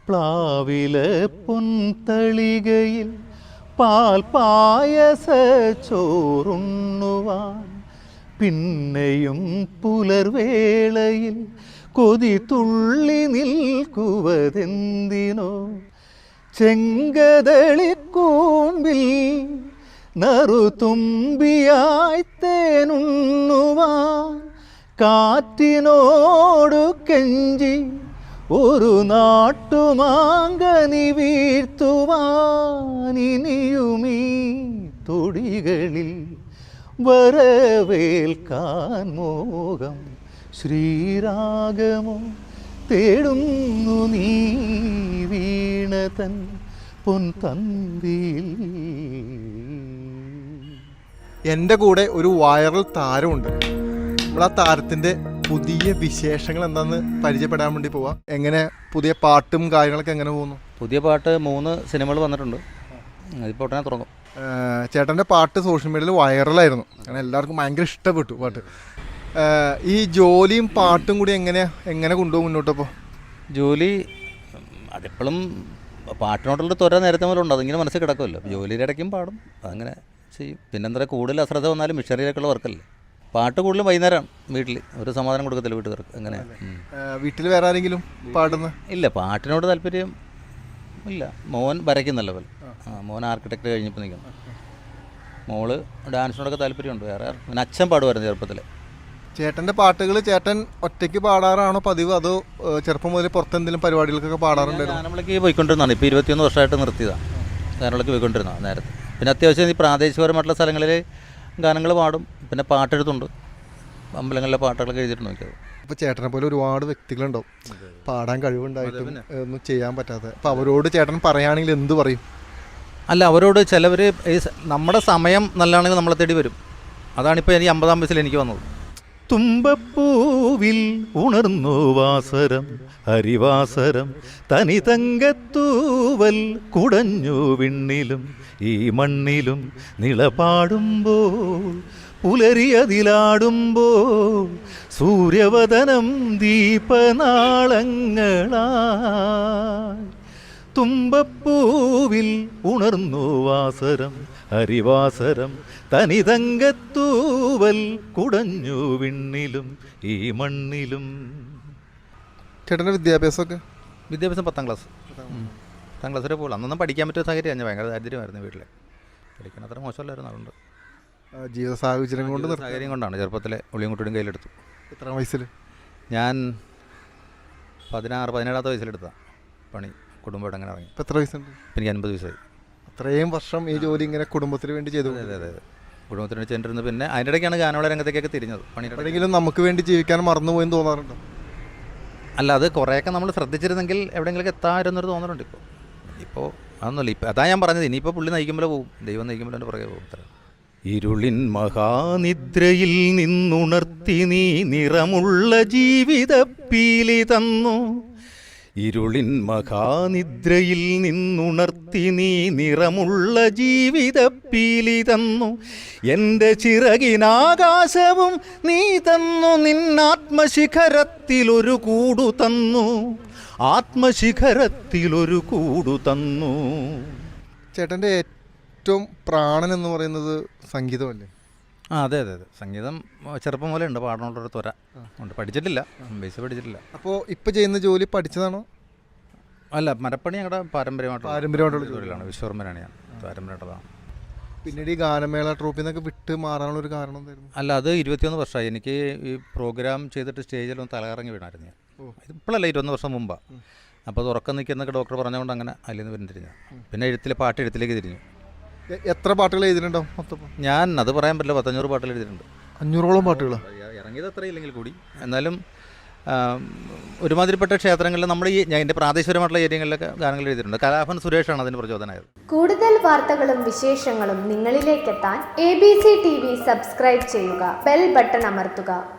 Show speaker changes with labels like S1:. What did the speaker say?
S1: പ്ലാവില പൊൻതളികയിൽ പാൽ പായസ ചോറുണ്ണുവാൻ പിന്നെയും പുലർവേളയിൽ കൊതി തുള്ളി നിൽക്കുവതെന്തിനോ ചെങ്കതളിക്കൂമ്പിൽ നറുതുമ്പിയായി തേനുണ്ണുവാൻ കാറ്റിനോടു കെഞ്ചി ഒരു നാട്ടുമാങ്കനി വീഴ്ത്തുവാൻ ഇനിയുമീ തൊടികളിൽ വരവേൽക്കാൻ മോഹം ശ്രീരാഗമോ തേടുന്നു നീ വീണതൻ പൊൻതന്തിയിൽ.
S2: എൻ്റെ കൂടെ ഒരു വൈറൽ താരമുണ്ട്. നമ്മൾ ആ താരത്തിൻ്റെ പുതിയ വിശേഷങ്ങൾ എന്താണെന്ന് പരിചയപ്പെടാൻ വേണ്ടി പോവാം. എങ്ങനെ പുതിയ പാട്ടും കാര്യങ്ങളൊക്കെ എങ്ങനെ പോകുന്നു?
S3: പുതിയ പാട്ട് 3 സിനിമകൾ വന്നിട്ടുണ്ട്. അതിപ്പോൾ ഉടനെ തുടങ്ങും.
S2: ചേട്ടൻ്റെ പാട്ട് സോഷ്യൽ മീഡിയയിൽ വൈറലായിരുന്നു. അങ്ങനെ എല്ലാവർക്കും ഭയങ്കര ഇഷ്ടപ്പെട്ടു പാട്ട്. ഈ ജോലിയും പാട്ടും കൂടി എങ്ങനെ കൊണ്ടുപോകും മുന്നോട്ടപ്പോൾ?
S3: ജോലി അതെപ്പോഴും പാട്ടിനോട്ടുള്ള ത്വര നേരത്തെ മുതലുണ്ട്. അതിങ്ങനെ മനസ്സിൽ കിടക്കുമല്ലോ. ജോലിയുടെ ഇടയ്ക്കും പാടും, അതങ്ങനെ ചെയ്യും. പിന്നെന്താ കൂടുതൽ അശ്രദ്ധ വന്നാലും മിഷനറിയിലേക്കുള്ള വർക്കല്ലേ. പാട്ട് കൂടുതലും വൈകുന്നേരമാണ്. വീട്ടിൽ ഒരു സമാധാനം കൊടുക്കത്തില്ല വീട്ടുകാർക്ക്. അങ്ങനെ
S2: വീട്ടിൽ വേറെ ആരെങ്കിലും പാടുന്ന?
S3: ഇല്ല, പാട്ടിനോട് താല്പര്യം ഇല്ല. മോൻ വരയ്ക്കും നല്ല പോലെ. മോൻ ആർക്കിടെക്ട് കഴിഞ്ഞപ്പോൾ നിൽക്കുന്നു. മോള് ഡാൻസിനോടൊക്കെ താല്പര്യമുണ്ട്. വേറെ പിന്നെ അച്ഛൻ പാടുമായിരുന്നു ചെറുപ്പത്തിൽ.
S2: ചേട്ടൻ്റെ പാട്ടുകൾ ചേട്ടൻ ഒറ്റയ്ക്ക് പാടാറാണോ പതിവ്, അതോ ചെറുപ്പം മുതൽ പുറത്തെന്തെങ്കിലും പരിപാടികൾക്കൊക്കെ പാടാറുണ്ടായിരുന്നു?
S3: ഗാനമേളയ്ക്ക് പോയിക്കൊണ്ടിരുന്നതാണ്. ഇപ്പോൾ 21 വർഷമായിട്ട് നിർത്തിയതാണ്. ഗാനമേളയ്ക്ക് പോയിക്കൊണ്ടിരുന്നതാണ് നേരത്തെ. പിന്നെ അത്യാവശ്യം ഈ പ്രാദേശികപരമായിട്ടുള്ള സ്ഥലങ്ങളിൽ ഗാനങ്ങൾ പാടും. പിന്നെ പാട്ടെഴുത്തുണ്ട്. അമ്പലങ്ങളിലെ പാട്ടുകളൊക്കെ എഴുതിയിട്ട് നോക്കിയത്.
S2: ഇപ്പോൾ ചേട്ടനെ പോലെ ഒരുപാട് വ്യക്തികളുണ്ടാവും പാടാൻ കഴിവുണ്ടായിട്ടും ഒന്നും ചെയ്യാൻ പറ്റാതെ. അപ്പോൾ അവരോട് ചേട്ടൻ പറയുകയാണെങ്കിൽ എന്ത് പറയും?
S3: അല്ല, അവരോട് ചിലവർ നമ്മുടെ സമയം നല്ലതാണെങ്കിൽ നമ്മളെ തേടി വരും. അതാണിപ്പോൾ എനിക്ക് 50-ാം വയസ്സിൽ എനിക്ക് വന്നത്.
S1: തുമ്പപ്പൂവിൽ ഉണർന്നു വാസരം ഹരിവാസരം തനി തങ്കത്തൂവൽ കുടഞ്ഞു വിണ്ണിലും ഈ മണ്ണിലും നിളപാടുമ്പോൾ പുലരിയതിലാടുമ്പോൾ സൂര്യവദനം ദീപനാളങ്ങളായി. തുമ്പപ്പൂവിൽ ഉണർന്നു വാസരം ഹരിവാസരം തനിതങ്കത്തൂവൽ കുടഞ്ഞു വിണ്ണിലും ഈ മണ്ണിലും.
S2: ചേട്ടൻ്റെ വിദ്യാഭ്യാസമൊക്കെ?
S3: വിദ്യാഭ്യാസം 10ാം ക്ലാസ്. 10ാം ക്ലാസ് വരെ പോകുള്ളൂ. അന്നൊന്നും പഠിക്കാൻ പറ്റിയ സാഹചര്യം. ഞാൻ ഭയങ്കര ദാരിദ്ര്യമായിരുന്നു വീട്ടിൽ. പഠിക്കാൻ അത്ര മോശമല്ലായിരുന്നു. അതുകൊണ്ട്
S2: ജീവിത സാഹചര്യം കൊണ്ട്
S3: സാഹചര്യം കൊണ്ടാണ് ചെറുപ്പത്തിലെ ഉള്ളിയും കുട്ടിയും കയ്യിലെടുത്തു.
S2: എത്ര വയസ്സിൽ?
S3: ഞാൻ 17-ാമത്തെ വയസ്സിലെടുത്താണ് പണി. കുടുംബമായിട്ട് അങ്ങനെ ഇറങ്ങി.
S2: ഇപ്പോൾ എത്ര വയസ്സുണ്ട്?
S3: എനിക്ക് 50 വയസ്സായി.
S2: അത്രയും വർഷം ഈ ജോലി ഇങ്ങനെ കുടുംബത്തിന് വേണ്ടി ചെയ്തു?
S3: അതെ, കുടുംബത്തിന് വേണ്ടി ചെയ്തിരുന്നു. പിന്നെ അതിൻ്റെ ഇടയ്ക്കാണ് ഗാനമേള രംഗത്തേക്കൊക്കെ തിരിഞ്ഞത്.
S2: എപ്പോഴെങ്കിലും നമുക്ക് വേണ്ടി ജീവിക്കാൻ മറന്നുപോയെന്ന് തോന്നാറുണ്ടോ?
S3: അല്ല, അത് കുറേയൊക്കെ നമ്മൾ ശ്രദ്ധിച്ചിരുന്നെങ്കിൽ എവിടെയെങ്കിലൊക്കെ എത്താമായിരുന്നൊരു തോന്നലുണ്ട്. ഇപ്പോൾ അതൊന്നുമില്ല. ഇപ്പം അതാ ഞാൻ പറഞ്ഞത്. ഇനിയിപ്പോൾ പുള്ളി നയിക്കുമ്പോൾ പോവും, ദൈവം നയിക്കുമ്പോൾ എൻ്റെ പുറകെ പോകും.
S1: ഇരുളിൻ മഹാനിദ്രയിൽ നിന്നുണർത്തി നീ നിറമുള്ള ജീവിതപ്പീലി തന്നു. ഇരുളിൻ മഹാനിദ്രയിൽ നിന്നുണർത്തി നീ നിറമുള്ള ജീവിതപ്പീലി തന്നു. എൻ്റെ ചിറകിനാകാശവും നീ തന്നു. നിന്നാത്മശിഖരത്തിലൊരു കൂടു തന്നു. ആത്മശിഖരത്തിലൊരു കൂടു തന്നു.
S2: ചേട്ടൻ്റെ ഏറ്റവും പ്രാണൻ എന്ന് പറയുന്നത് സംഗീതമല്ലേ?
S3: അതെ. സംഗീതം ചെറുപ്പം പോലെ ഉണ്ട്. പാടാനുള്ളൊരു ത്വര ഉണ്ട്. പഠിച്ചിട്ടില്ല, ബേസ് പഠിച്ചിട്ടില്ല.
S2: അപ്പോൾ ഇപ്പോൾ ചെയ്യുന്ന ജോലി പഠിച്ചതാണോ?
S3: അല്ല, മരപ്പണി ഞങ്ങളുടെ പാരമ്പര്യമായിട്ടുള്ള ജോലിയാണ്. വിശ്വകർമ്മനാണ് ഞാൻ. പാരമ്പര്യമായിട്ടുള്ളതാണ്.
S2: പിന്നീട് ഈ ഗാനമേള ട്രൂപ്പിൽ നിന്നൊക്കെ വിട്ട് മാറാനുള്ളൊരു കാരണം എന്തായിരുന്നു?
S3: അല്ല, അത് 21 വർഷമായി. എനിക്ക് ഈ പ്രോഗ്രാം ചെയ്തിട്ട് സ്റ്റേജിലൊന്ന് തലകറങ്ങി വീണായിരുന്നു ഞാൻ. ഇപ്പോഴല്ല, 21 വർഷം മുമ്പാണ്. അപ്പോൾ അത് ഉറക്കം നിൽക്കുന്നൊക്കെ ഡോക്ടർ പറഞ്ഞുകൊണ്ട് അങ്ങനെ അതിൽ നിന്ന് പിന്തിരിഞ്ഞു. പിന്നെ പാട്ട് എഴുത്തിലേക്ക് തിരിഞ്ഞു.
S2: എത്ര പാട്ടുകൾ എഴുതിയിട്ടുണ്ടാവും മൊത്തം?
S3: ഞാൻ അത് പറയാൻ പറ്റില്ല. 500 പാട്ടുകൾ എഴുതിയിട്ടുണ്ട്.
S2: 500ഓളം പാട്ടുകൾ
S3: ഇറങ്ങിയത് അത്ര ഇല്ലെങ്കിൽ കൂടി. എന്നാലും ഒരുമാതിരിപ്പെട്ട ക്ഷേത്രങ്ങളിൽ നമ്മൾ എൻ്റെ പ്രാദേശികപരമായിട്ടുള്ള ഏരിയകളിലൊക്കെ ഗാനങ്ങൾ എഴുതിയിട്ടുണ്ട്. കലാഭൻ സുരേഷാണ് അതിന് പ്രചോദനമായത്.
S4: കൂടുതൽ വാർത്തകളും വിശേഷങ്ങളും നിങ്ങളിലേക്കെത്താൻ ABC TV സബ്സ്ക്രൈബ് ചെയ്യുക, ബെൽ ബട്ടൺ അമർത്തുക.